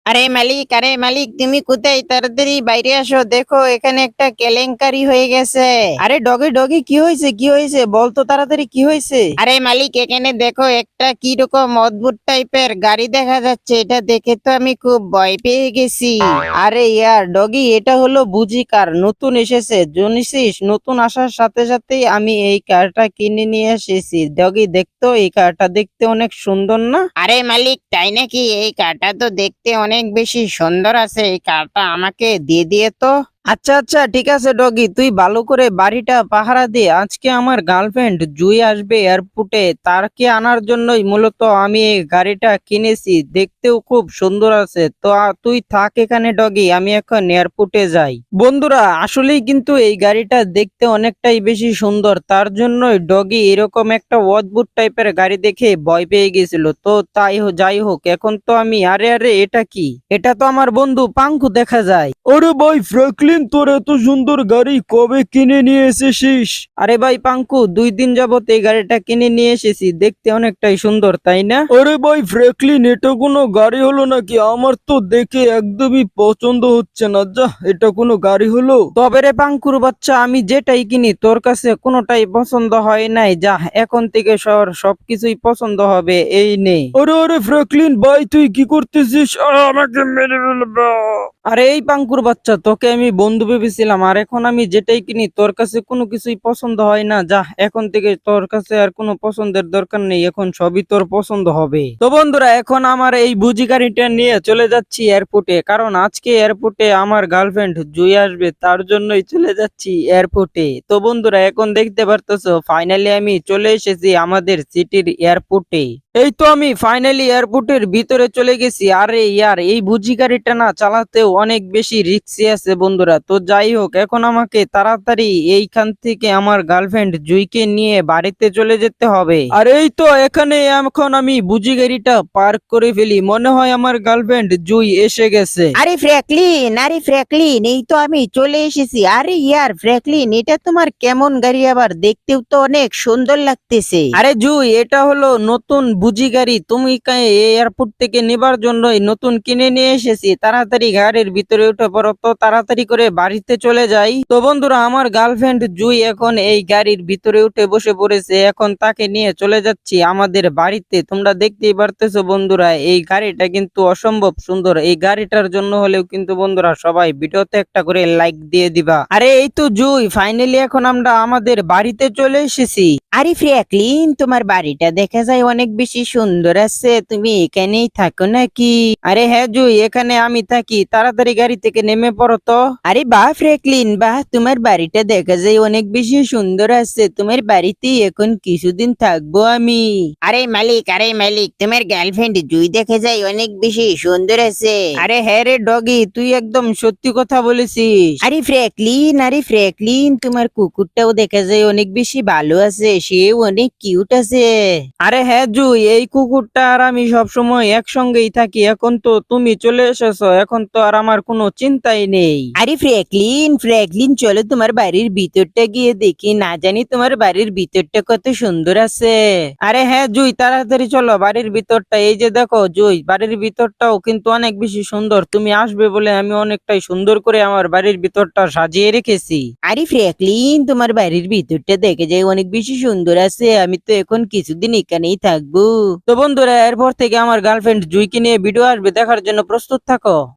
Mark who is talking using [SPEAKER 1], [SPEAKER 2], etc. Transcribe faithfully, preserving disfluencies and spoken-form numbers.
[SPEAKER 1] আরে মালিক, আরে মালিক, তুমি কোথায়? তাড়াতাড়ি বাইরে আসো, দেখো এখানে একটা কেলেঙ্কারি হয়ে গেছে।
[SPEAKER 2] আরে ডগে ডগে কি হয়েছে কি হয়েছে বলতো তাড়াতাড়ি কি হয়েছে?
[SPEAKER 1] আরে মালিক, এখানে দেখো একটা কি রকম অদ্ভুত টাইপের গাড়ি দেখা যাচ্ছে। এটা দেখে তো আমি খুব ভয় পেয়ে গেছি।
[SPEAKER 2] আরে ইয়ার ডগি, এটা হলো বুঝি কার, নতুন এসেছে জনিসিস। নতুন আসার সাথে সাথেই আমি এই কারটা কিনে নিয়ে এসেছি। ডগি দেখতো, এই কারটা দেখতে অনেক সুন্দর না?
[SPEAKER 1] আরে মালিক, তাই নাকি? এই কারটা তো দেখতে অনেক বেশি সুন্দর আছে, এই কারটা আমাকে দিয়ে দিয়ে তো।
[SPEAKER 2] আচ্ছা আচ্ছা ঠিক আছে ডগি, তুই ভালো করে বাড়িটা পাহারা দে। আজকে আমার গার্লফ্রেন্ড জুই আসবে এয়ারপোর্টে, তারকে আনার জন্যই মূলত আমি এই গাড়িটা কিনেছি। দেখতেও খুব সুন্দর আছে। তো আ, তুই থাক এখানে ডগি, আমি এখন এয়ারপোর্টে যাই। বন্ধুরা, আসলেই কিন্তু এই গাড়িটা দেখতে অনেকটাই বেশি সুন্দর, তার জন্যই ডগি এরকম একটা অদ্ভুত টাইপের গাড়ি দেখে ভয় পেয়ে গেছিল। তো তাই হো- যাই হোক, এখন তো আমি, আরে আরে এটা কি? এটা তো আমার বন্ধু পাঙ্কু দেখা যায়।
[SPEAKER 3] আরে ভাই ফ্র্যাঙ্কলিন, তোর এত সুন্দর গাড়ি কবে কিনে নিয়ে এসেছিস?
[SPEAKER 2] আরে ভাই পাঙ্কু, দুই দিন যাবত এই গাড়িটা কিনে নিয়ে এসেছি, দেখতে অনেকটাই সুন্দর তাই না?
[SPEAKER 3] আরে ভাই ফ্র্যাঙ্কলিন, এটা কোনো গাড়ি হলো নাকি? আমার তো দেখে একদমই পছন্দ হচ্ছে না। যা, এটা কোনো গাড়ি হলো?
[SPEAKER 2] তবে রে পাঙ্কুর বাচ্চা, আমি যেটাই কিনি তোর কাছে কোনোটাই পছন্দ হয় নাই। যা, এখন থেকে সর, সবকিছুই পছন্দ হবে, এই নে।
[SPEAKER 3] আরে আরে ফ্র্যাঙ্কলিন ভাই, তুই কি করতেছিস? আহ, আমাকে মেরে ফেলবে।
[SPEAKER 2] আরে এই পাঙ্কুর বাচ্চা, তোকে আমি বন্ধু ভেবেছিলাম, আর এখন আমি যেটাই কিনি তোর কাছে কোনো কিছুই পছন্দ হয় না। যা, এখন থেকে তোর কাছে আর কোনো পছন্দের দরকার নেই, এখন সবই তোর পছন্দ হবে। তো বন্ধুরা, এখন আমার এই বুঝি গাড়িটা নিয়ে চলে যাচ্ছি এয়ারপোর্টে, কারণ আজকে এয়ারপোর্টে আমার গার্লফ্রেন্ড জুই আসবে, তার জন্যই চলে যাচ্ছি এয়ারপোর্টে। তো বন্ধুরা, এখন দেখতে পারতেছো ফাইনালি আমি চলে এসেছি আমাদের সিটির এয়ারপোর্টে। এই তো আমি ফাইনালি এয়ারপোর্টের ভিতরে চলে গেছি। আরে ইয়ার, এই বুঝি গাড়িটা না চালাতেও অনেক বেশি রিস্কি আছে বন্ধুরা। তো যাই হোক, এখন আমাকে তাড়াতাড়ি এইখান থেকে আমার গার্লফ্রেন্ড জুইকে নিয়ে বাড়িতে চলে যেতে হবে। আর এই তো এখানে এখন আমি বুঝি গাড়িটা পার্ক করে ফেলি, মনে হয় আমার গার্লফ্রেন্ড জুই এসে গেছে।
[SPEAKER 1] আরে ফ্র্যাঙ্কলিন, আরে ফ্র্যাঙ্কলিন, এই তো আমি চলে এসেছি। আরে ইয়ার ফ্র্যাঙ্কলিন, এটা তোমার কেমন গাড়ি? আবার দেখতেও তো অনেক সুন্দর লাগতেছে।
[SPEAKER 2] আরে জুই, এটা হলো নতুন বুঝি গাড়ি, তুমি কা- এয়ারপোর্ট থেকে নেবার জন্যই নতুন কিনে নিয়ে এসেছি। তাড়াতাড়ি গাড়ির ভিতরে উঠে পড়ো তো, তাড়াতাড়ি করে বাড়িতে চলে যাই। তো বন্ধুরা, আমার গার্লফ্রেন্ড জুই এখন এই গাড়ির ভিতরে উঠে বসে পড়েছে, এখন তাকে নিয়ে চলে যাচ্ছি আমাদের বাড়িতে। তোমরা দেখতেই পারতেছো বন্ধুরা, এই গাড়িটা কিন্তু অসম্ভব সুন্দর। এই গাড়িটার জন্য হলেও কিন্তু বন্ধুরা সবাই ভিডিওতে একটা করে লাইক দিয়ে দিবা। আরে এই তো জুই, ফাইনালি এখন আমরা আমাদের বাড়িতে চলে এসেছি।
[SPEAKER 1] আরে ফ্র্যাঙ্কলিন, তোমার বাড়িটা দেখা যায় অনেক বেশি সুন্দর আছে, তুমি এখানেই থাকো নাকি?
[SPEAKER 2] আরে হ্যাঁ জুই, এখানে আমি থাকি, তাড়াতাড়ি গাড়ি থেকে নেমে পড়ো তো।
[SPEAKER 1] আরে বাহ ফ্র্যাঙ্কলিন, বাহ, তোমার বাড়িটা দেখা যায় অনেক বেশি সুন্দর আছে। তোমার বাড়িতে এখন কিছুদিন থাকবো আমি। আরে মালিক, আরে মালিক, তোমার গার্লফ্রেন্ড জুই দেখা যায় অনেক বেশি সুন্দর আছে।
[SPEAKER 2] আরে হ্যাঁ রে ডগি, তুই একদম সত্যি কথা বলেছিস।
[SPEAKER 1] আরে ফ্র্যাঙ্কলিন, আরে ফ্র্যাঙ্কলিন, তোমার কুকুরটাও দেখা যায় অনেক বেশি ভালো আছে, সেও অনেক কিউট আছে।
[SPEAKER 2] আরে হ্যাঁ জুই, এই কুকুরটা আর আমি সবসময় একসঙ্গেই থাকি। এখন তো তুমি চলে এসেছো, এখন তো আর আমার কোনো চিন্তাই নেই।
[SPEAKER 1] আরে ফ্র্যাঙ্কলিন, ফ্র্যাঙ্কলিন, চলো তোমার বাড়ির ভিতরটা গিয়ে দেখি, না জানি তোমার বাড়ির ভিতরটা কত সুন্দর আছে।
[SPEAKER 2] আরে হ্যাঁ জুই, তাড়াতাড়ি চলো বাড়ির ভিতরটা। এই যে দেখো জুই, বাড়ির ভিতরটাও কিন্তু অনেক বেশি সুন্দর। তুমি আসবে বলে আমি অনেকটাই সুন্দর করে আমার বাড়ির ভিতরটা সাজিয়ে রেখেছি।
[SPEAKER 1] আরে ফ্র্যাঙ্কলিন, তোমার বাড়ির ভিতরটা দেখে যায় অনেক বেশি সুন্দর আছে, আমি তো এখন কিছুদিন এখানেই থাকবো।
[SPEAKER 2] তো বন্ধুরা, এরপর থেকে আমার গার্লফ্রেন্ড জুইকে নিয়ে ভিডিও আসবে, দেখার জন্য প্রস্তুত থাকো।